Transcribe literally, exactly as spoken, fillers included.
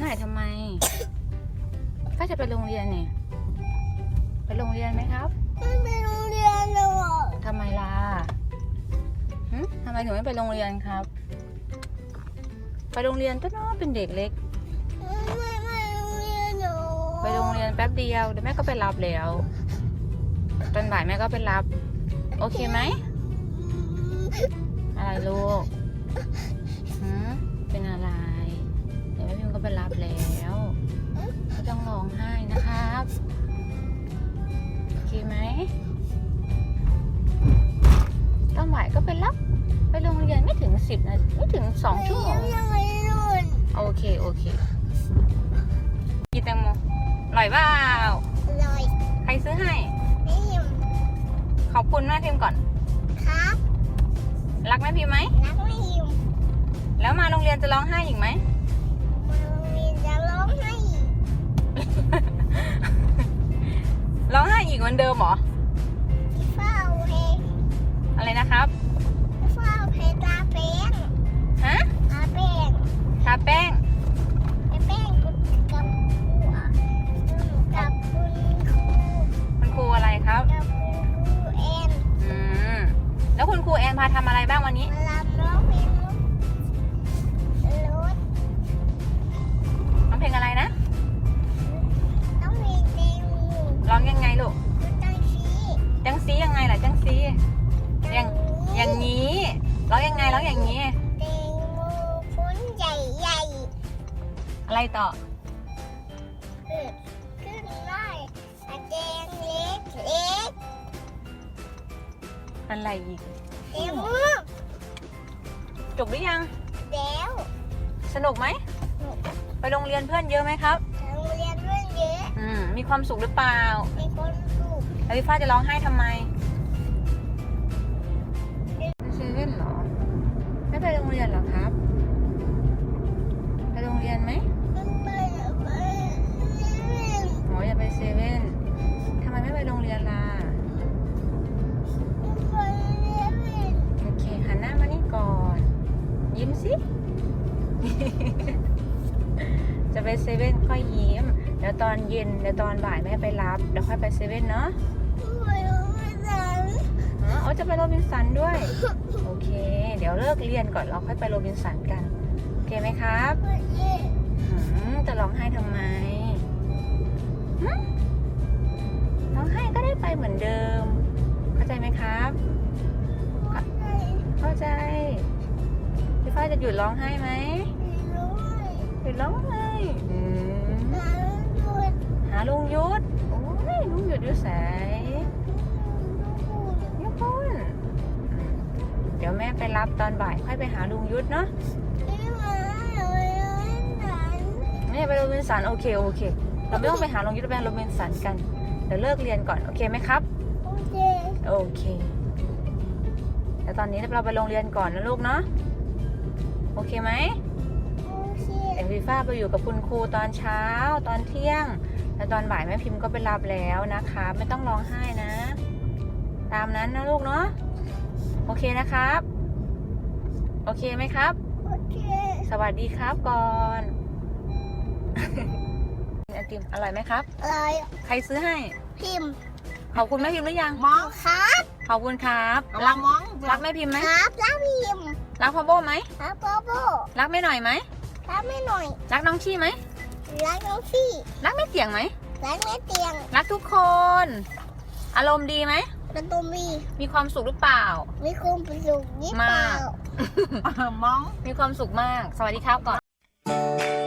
หน่อยทำไมก็จะไปโรงเรียนนี่ไปโรงเรียนไหมครับไม่ไปโรงเรียนเลยทำไมล่ะหึทำไมถึงไม่ไปโรงเรียนครับไปโรงเรียนก็น้อเป็นเด็กเล็กไม่ไม่โรงเรียนหนูไปโรงเรียนแป๊บเดียวเดี๋ยวแม่ก็ไปรับแล้วตอนบ่ายแม่ก็ไปรับโอเคไหมอะไรลูกหืมเป็นอะไรเดี๋ยวแม่พิมก็ไปรับแล้วไม่ต้องร้องไห้นะครับโอเคไหมตอนบ่ายก็ไปรับไปโรงเรียนไม่ถึงสิบนาทีไม่ถึงสองชั่วโมงโอเคโอเคกินแตงโมอร่อยเปล่าอร่อยใครซื้อให้พิมขอบคุณแม่พิมก่อนครับรักแม่พิมไหมรักแม่พิมแล้วมาโรงเรียนจะร้องไห้อีกไหมมาโรงเรียนจะร้องไห้อีกร้องไห้อีกเหมือนเดิมเหรอเฝ้าเพลงอะไรนะครับเฝ้าเพลงตาแป้งฮะตาแป้งทาแป้งตาแป้งกับกับกับคุณครูคุณครูอะไรครับกับคุณครูแอนอืมแล้วคุณครูแอนพาทำอะไรบ้างวันนี้มาลำร้องเพลงรถร้องเพลงอะไรนะต้องมีเพลงร้องยังไงลูกจังซีจังซียังไงล่ะจังซีอย่างอย่างนี้ร้องยังไงร้องอย่างนี้เพลงโมพุ้นใหญ่ใหญ่อะไรต่อขึ้นขึ้นได้แดงเล็กเล็กอะไรอีกเอ็มจบหรือยังแล้วสนุกไหมไปโรงเรียนเพื่อนเยอะไหมครับโรงเรียนเพื่อนเยอะอืมมีความสุขหรือเปล่ามีคนสุขแล้วพี่ฟ้าจะร้องไห้ทำไมเซเว่นเหรอไม่ไปโรงเรียนเหรอครับไปโรงเรียนไหมไม่ไปไปเล่นโอ้ยอย่าไปเซเว่นทำไมไม่ไปโรงเรียนล่ะไม่ไปเล่นโอเคหันหน้ามานี่ก่อนยิ้มสิ จะไปเซเว่นค่อยยิ้มเดี๋ยวตอนเย็นเดี๋ยวตอนบ่ายแม่ไปรับเดี๋ยวค่อยไปเซเว่นเนาะไปโรงเรียนอ๋อจะไปโรบินสันด้วยโอเคเดี๋ยวเลิกเรียนก่อนเราค่อยไปโรบินสันกันโอเคไหมครับจะร้องไห้ทำไมร้องไห้ก็ได้ไปเหมือนเดิมเข้าใจไหมครับเข้าใจพี่ฟ้าจะหยุดร้องไห้ไหมหยุดร้องไห้หาลุงยุทธโอ้ยลุงยุทธอยู่แสยยุทธเดี๋ยวแม่ไปรับตอนบ่ายค่อยไปหาลุงยุทธเนาะไม่ไปโรบินสันโอเคโอเคเราไม่ต้องไปหาลุงยุทธไปโรบินสันกันเดี๋ยวเลิกเรียนก่อนโอเคไหมครับโอเคโอเคแต่ตอนนี้เราไปโรงเรียนก่อนนะลูกเนาะโอเคไหมเดี๋ยวพี่ฟ้าไปอยู่กับคุณครูตอนเช้าตอนเที่ยงแล้วตอนบ่ายแม่พิมพ์ก็ไปรับแล้วนะคะไม่ต้องร้องไห้นะตามนั้นนะลูกเนาะโอเคนะครับโอเคไหมครับโอเคสวัสดีครับก่อนไอติมอร่อยไหมครับอร่อยใครซื้อให้พิมพ์ขอบคุณแม่พิมพ์หรือยังมองครับขอบคุณครับรักมองรักแม่พิมพ์ไหมครับรักพิมพ์รักพ่อโบไหมรักพ่อโบรักแม่หน่อยไหมรักแม่หน่อยรักน้องชี่ไหมรักน้องชี่รักแม่เตียงไหมรักแม่เตียงรักทุกคนอารมณ์ดีไหมเป็นตัวมีมีความสุขหรือเปล่ามีความสุขยิ่งเปล่ามากมีความสุขมากสวัสดีครับก่อน